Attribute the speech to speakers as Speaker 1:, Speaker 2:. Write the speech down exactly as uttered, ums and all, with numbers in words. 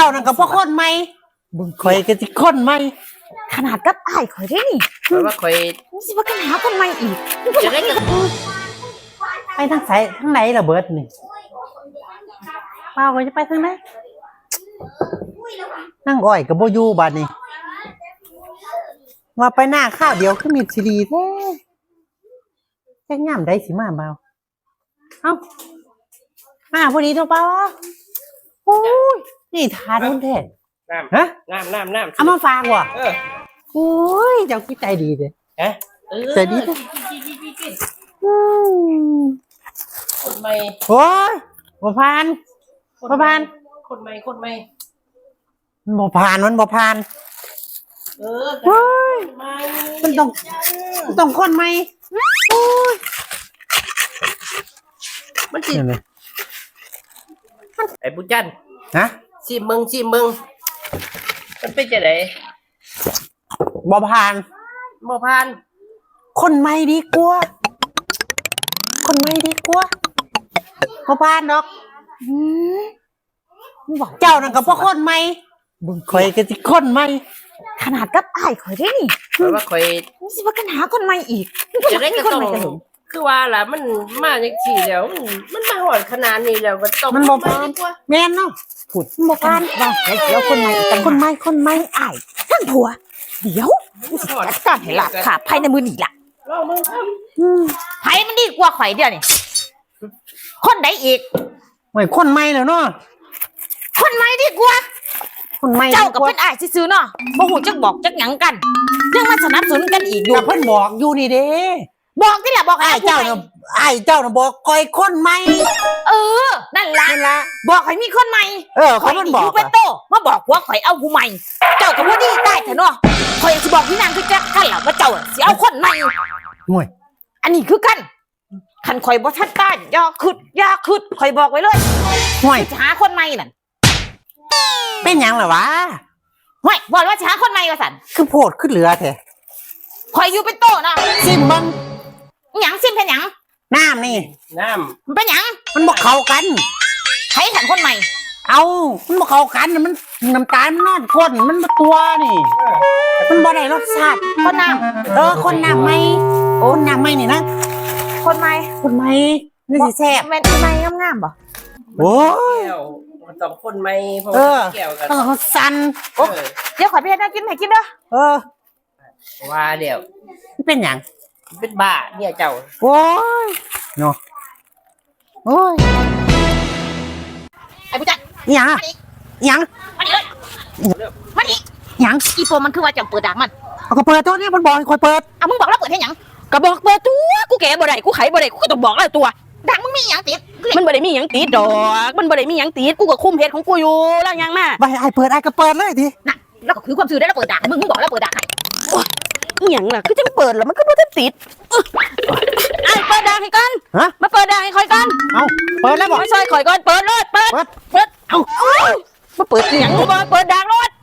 Speaker 1: านั่นกับพวกคนไหมบุญข่อยก็สิคนไหม
Speaker 2: ขนาดกับอ้ายข่อยได้นี่
Speaker 3: เพราะว่าข่อย
Speaker 2: นี่สิว่ากันหาคนใหม่อีก
Speaker 3: จะได้กับ
Speaker 1: ไปทางไหนทางไหนล่ะเบิดนี่เปล่าก็จะไปทางไหนนั่งอ้อยกับโบยูบาดนี่ว่าไปหน้าข้าวเดียวคือมีซีดีแท้แค่ย่ำได้สิมาเบาเอ้ามาพอดีตัวเปล่าโอ้ยนี่ทานคนแท้
Speaker 3: น้ำ
Speaker 1: ฮะ
Speaker 3: น้ำน้ำน้ำ
Speaker 1: เอามาฝากว่ะ
Speaker 3: เออ
Speaker 1: โอ้ยเจ้าคิดใจดีเลย
Speaker 3: ฮะ
Speaker 1: ใจดีเลย
Speaker 3: คนใหม่
Speaker 1: โอ้ยบ่ผ่านบ่ผ่าน
Speaker 3: คนใหม่คนใหม่
Speaker 1: มันบ่ผ่านมันบ่ผ่าน
Speaker 3: เออ
Speaker 1: โอ้ยมันต้องมันต้องคนใหม่โอ้ย
Speaker 3: มันสิไอ้บุญจัน
Speaker 1: ฮะ
Speaker 3: ชิมมึงชิมมึงมันเป็นจะไหน
Speaker 1: บ่ผ่าน
Speaker 3: บ่ผ่าน
Speaker 1: คนใหม่ดีกว่าคนใหม่ดีกว่าบ่ผ่านดอก
Speaker 2: อืมบอก
Speaker 1: เจ้านั่นกับพวกคนใหม่บุญข่อยก็สิคนใหม่
Speaker 2: ขนาดกับอ้ายข่อยได้นี่
Speaker 3: เพราะว่าข่อย
Speaker 2: นี่สิว่ากันหาคนใหม่อีก
Speaker 3: จะได้กับต้องคือว่าล่ะมันมาจังซี่แล้วมันมาหอดขนาดนี้แล้วก็ต้อง
Speaker 1: มันบ่ผ่านแม่นเนาะพูดบ่ผ่านว่าเดี๋ยวคนใหม่คนใหม่คนใหม่อ้าย
Speaker 2: ท่านผัวเดี๋ยวจัดการให้หลับขาภายในมือนี่ล่ะ
Speaker 3: รอมึงครับ
Speaker 2: ไผมันดีกว่าข่อยเดียวนี่คนใดอีก
Speaker 1: ไม่คนใหม่แล้วเนาะ
Speaker 2: คนใหม่ดีกว่า
Speaker 1: คนใหม่
Speaker 2: เจ้ากับเพิ่นอ้ายซื่อๆเนาะบ่ฮู้จักบอกจักหยังกันยังมาสนับสนุนกันอีกอยู่
Speaker 1: เพิ่นบอกอยู่นี่เด้
Speaker 2: บอกนี่แหละบอก
Speaker 1: อ้ายเจ้าน่ะอ้ายเจ้าน่ะบอกข่อยคนใหม่
Speaker 2: เออนั่นล่ะ
Speaker 1: นั่นล่ะ
Speaker 2: บอกข่อยมีคนใหม่
Speaker 1: เออเขามันบอก
Speaker 2: เป็นโตมาบอกว่าข่อยเอาผู้ใหม่เจ้ากับบ่ดีได้เถอะเนาะข่อยสิบอกพี่นางคือจักกันล่ะว่าเจ้าสิเอาคนใหม่
Speaker 1: ห่วย
Speaker 2: อันนี้คือกันคันข่อยบ่ทันตายอย่าคิดอย่าคิดข่อยบอกไว้เลย
Speaker 1: ห่วย
Speaker 2: หาคนใหม่นั่น
Speaker 1: เป็นหยังล่ะวะ
Speaker 2: ห่วยบอกว่าสิหาคนใหม่ว่าซั่น
Speaker 1: คือโพดขึ้นเหลือแท้
Speaker 2: ข่อยอยู่เป็นโตเนาะ
Speaker 1: ซิมเบิ่ง
Speaker 2: หยังซิมเป็นหยัง
Speaker 1: น้ำนี่
Speaker 3: น้
Speaker 2: ำมันเป็นหยัง
Speaker 1: มันบ่เข้ากัน
Speaker 2: ใครขันคนใหม่
Speaker 1: เอามันบ่เข้ากันมันน้ำตาลมันนอนก้นมันบ่ตัวนี่มันบ่ได้รสชาติ
Speaker 2: คนน้ำ
Speaker 1: เออคนน้ำใหม่คนน้ำใหม่นี่นะ
Speaker 2: คนใหม่
Speaker 1: คนใหม่นี่สิแซ่บ
Speaker 2: แม่นคนใหม่งามๆบ่
Speaker 1: โอ้ย
Speaker 3: มันต้องคนใหม่เพราะแก้วกัน
Speaker 1: เออสั่น
Speaker 2: เดี๋ยวขอไปเฮ็ดน้ำกินให้กินเด้อ
Speaker 1: เออ
Speaker 3: ว่าเดี๋ยว
Speaker 1: เป็นหยัง
Speaker 3: เป็นบ้าเนี่ยเจ้า
Speaker 1: โอ้ยเนาะโอ้ย
Speaker 2: ไอ้ผู้จัด
Speaker 1: หยังหยัง
Speaker 2: มาดิเลยมาดิ
Speaker 1: หยัง
Speaker 2: อีโฟมันคือว่าจะเปิดดังมัน
Speaker 1: เอาก็เปิดตัวนี้มันบอกให้คอยเปิด
Speaker 2: อ่ะมึงบอกแล้วเปิดให้หยังก็บอกเปิดตัวกูแก่บ่ได้กูไขบ่ได้กูก็ต้องบอกแล้วตัวดังมึงมีหยังติด
Speaker 4: มันบ่ได้มีหยังติดดอกมันบ่ได้มีหยังติดกูก็คุมเพจของกูอยู่แล้วยังมา
Speaker 1: ไปไอ้เปิดไอ้ก็เปิดเลยดิ
Speaker 2: น่ะแล้วก็คือความซื่อได้แล้วเปิดดังมึงมึงบอกแล้วเปิดดัง
Speaker 4: อีหยังล่ะคือจังเปิดแล้วมันก็บ่ทันติดไอ้เปิดดังให้กัน
Speaker 1: ฮะ
Speaker 4: มาเปิดดังให้ข่อยกัน
Speaker 1: เอ้าเปิดแล้วบ่
Speaker 4: ไม่ซอยข่อยก่อนเปิดรถเปิดเปิดเอ้ามาเปิดอีหยังบ่เปิดดังรถ